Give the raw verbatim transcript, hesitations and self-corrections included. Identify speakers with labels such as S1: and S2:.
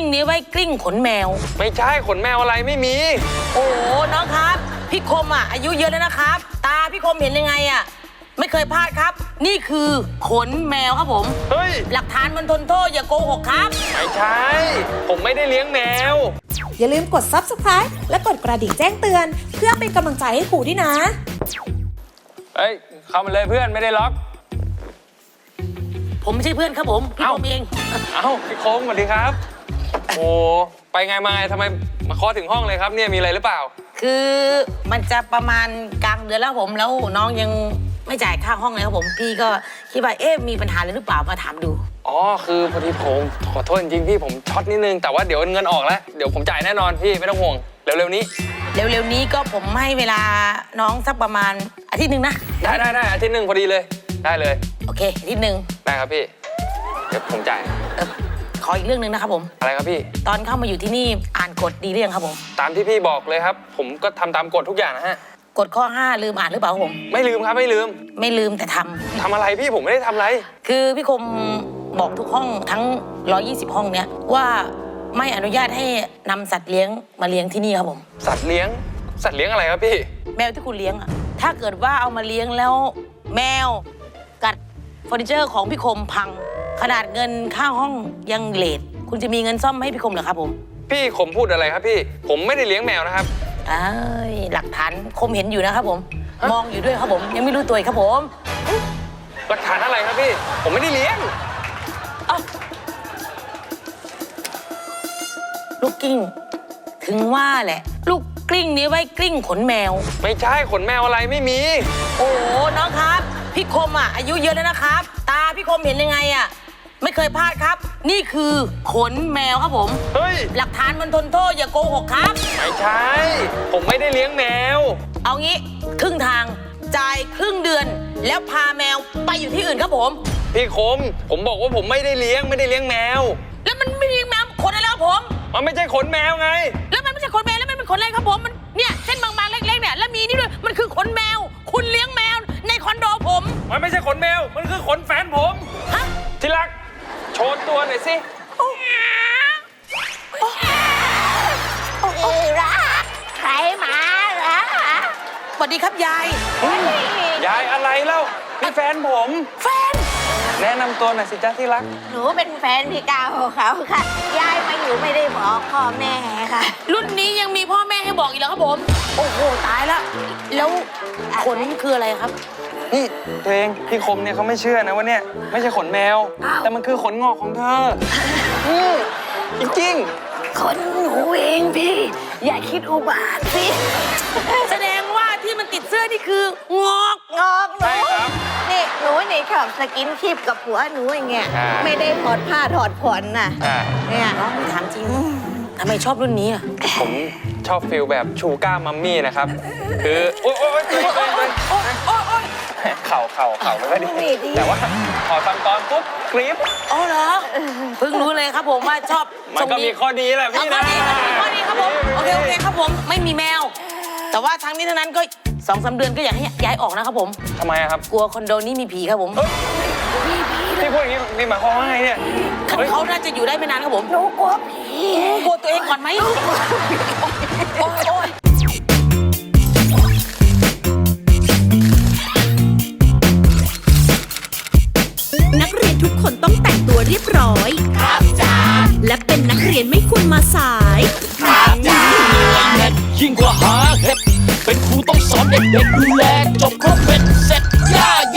S1: นี้ไว้กลิ้งขนแมว
S2: ไม่ใช่ขนแมวอะไรไม่มี
S1: โอ้น้องครับพี่คมอ่ะอายุเยอะแล้วนะครับตาพี่คมเห็นยังไงอ่ะไม่เคยพลาดครับนี่คือขนแมวครับผม
S2: เฮ้ย
S1: หลักฐานมันทนโทษอย่าโกหกครับ
S2: ไม่ใช่ผมไม่ได้เลี้ยงแมว
S3: อย่าลืมกด ซับสไครบ์ และกดกระดิ่งแจ้งเตือนเพื่อเป็นกำลังใจให้ครูด้วยนะ
S2: เฮ้ยเข้ามาเลยเพื่อนไม่ได้ล็อก
S1: ผมไม่ใช่เพื่อนครับผมพี่คมเอง
S2: เอ้าพี่คมสวัสดีครับโอ้ไปไงมาไงทำไมมาเคาะถึงห้องเลยครับเนี่ยมีอะไรหรือเปล่า
S1: คือมันจะประมาณกลางเดือนแล้วผมแล้วน้องยังไม่จ่ายค่าห้องเลยครับผมพี่ก็คิดว่าเอ๊ะมีปัญหาอะไรหรือเปล่ามาถามดู
S2: อ๋อคือพอดีผมขอโทษจริงๆพี่ผมช็อตนิดนึงแต่ว่าเดี๋ยวเงินออกแล้วเดี๋ยวผมจ่ายแน่นอนพี่ไม่ต้องห่วงเร็วๆนี้
S1: เร็วๆนี้ก็ผมให้เวลาน้องสักประมาณอาทิตย์หนึ่งนะ
S2: ได้ได้ได้อาทิตย์หนึ่งพอดีเลยได้เลย
S1: โอเคอาทิตย์หนึ่ง
S2: ได้ครับพี่เดี๋ยวผมจ่าย
S1: ขออีกเรื่องหนึ่งนะครับผม
S2: อะไรครับพี่
S1: ตอนเข้ามาอยู่ที่นี่อ่านกฎดีหรือยังครับผม
S2: ตามที่พี่บอกเลยครับผมก็ทำตามกฎทุกอย่างนะฮะ
S1: กฎข้อห้าลืมอ่านหรือเปล่าผม
S2: ไม่ลืมครับไม่ลืม
S1: ไม่ลืมแต่ทำ
S2: ทำอะไรพี่ผมไม่ได้ทำอะไร
S1: คือพี่คมบอกทุกห้องทั้งหนึ่งร้อยยี่สิบห้องเนี้ยว่าไม่อนุญาตให้นำสัตว์เลี้ยงมาเลี้ยงที่นี่ครับผม
S2: สัตว์เลี้ยงสัตว์เลี้ยงอะไรครับพี่
S1: แมวที่คุณเลี้ยงอะถ้าเกิดว่าเอามาเลี้ยงแล้วแมวกัดเฟอร์นิเจอร์ของพี่คมพังขนาดเงินค่าห้องยังเลทคุณจะมีเงินซ่อมให้พี่คมเหรอครับผม
S2: พี่คมพูดอะไรครับพี่ผมไม่ได้เลี้ยงแมวนะครับ
S1: เอ้ยหลักฐานคมเห็นอยู่นะครับผมมองอยู่ด้วยครับผมยังไม่รู้ตัวครับผม
S2: หลักฐานอะไรครับพี่ผมไม่ได้เลี้ยง
S1: ลูกกิ้งถึงว่าแหละลูกกลิ้งนี้ไว้กลิ้งขนแมว
S2: ไม่ใช่ขนแมวอะไรไม่มี
S1: โอ้น้องครับพี่คมอ่ะอายุเยอะแล้วนะครับตาพี่คมเห็นยังไงอ่ะไม่เคยพลาดครับนี่คือขนแมวครับผม
S2: เฮ้ย
S1: หลักฐานมันทนโทษอย่าโกหกครับ
S2: ไม่ใช่ผมไม่ได้เลี้ยงแมว
S1: เอางี้ครึ่งทางจ่ายครึ่งเดือนแล้วพาแมวไปอยู่ที่อื่นครับผม
S2: พี่คมผมบอกว่าผมไม่ได้เลี้ยงไม่ได้เลี้ยงแมว
S1: แล้วมันไม่เลี้ยงแมวขนอะไรครับผม
S2: มันไม่ใช่ขนแมวไง
S1: แล้วมันไม่ใช่ขนแมวแล้วมันเป็นขนอะไรครับผมมันเนี่ยเส้นบางๆเล็กๆเนี่ยแล้วมีนี่ด้วยมันคือขนแมวคุณเลี้ยงแมวในคอนโดผม
S2: มันไม่ใช่ขนแมวมันคือขนแฟนผม
S1: ฮะ
S2: ที่รักโชว์ตัวหน่อยสิ
S4: รักใครมาเหรอ
S1: สวัสดีครับยาย
S2: ยายอะไรเล่านี่แฟนผม
S1: แฟน
S2: แนะนำตัวหน่อยสิจ๊ะที่รัก
S4: หนูเป็นแฟนพี่กาวเขาค่ะยายมาอยู่ไม่ได้บอกพ่อแม่ค่ะ
S1: รุ่นนี้ยังมีพ่อแม่ให้บอกอีกแล้วครับผมโอ้โหตายแล้วแล้วขนคืออะไรครับ
S2: นี่ตัวเองพี่คมเนี่ยเขาไม่เชื่อนะว่าเนี่ยไม่ใช่ขนแมวแต่มันคือขนงอกของเธอจริง
S4: ๆขนหนูเองพี่อย่าคิดอุบาทสิ
S1: แสดงว่าที่มันติดเสื้อนี่คืองอก
S4: งอกหนูนี่หนูนี่ชอบสกินชิปกับผัวหนูอย่างเงี้ยไม่ได้ถอดผ้าถอดผ่อนน่ะเนี่ย
S1: น้องถามจริงทำไมชอบรุ่นนี้อ่ะ
S2: ผมชอบฟิลแบบชูก้ามัมมี่นะครับคือโอ๊ยโอ๊ยโอ๊ยโอ๊ยโอ๊ยโอ๊ยเข่าเข่าเข่าไม่ค่อยดีแต่ว่าพอทำตอนปุ๊บกรี๊ด
S1: อ๋อเหรอเพิ่งรู้เลยครับผมว่าชอบ
S2: มันก็มีข้อดีแหละพี่นะ
S1: ข้อดีครับผมโอเคโอเคครับผมไม่มีแมวแต่ว่าทั้งนี้ทั้งนั้นก็สองสามเดือนก็อยากให้ย้ายออกนะครับผม
S2: ทำไมครับ
S1: กลัวคอนโดนี้มีผีครับผม
S2: มีผีพี่พูดอย่างนี้นี่หมายความว่าไงเนี่ย
S1: เขาน่าจะอยู่ได้ไม่นานครับผม
S4: หนูกลัวผี
S1: กลัวตัวเองก่อนไหมโอ๊ย
S3: นักเรียนทุกคนต้องแต่งตัวเรียบร้อยครับจ้าและเป็นนักเรียนไม่ควรมาสาย
S5: ครับจ้ายิ่งกว่าหาเห็ดเป็นครูต้องสอนเด็กๆดูแลจบครบเป็นเสร็จ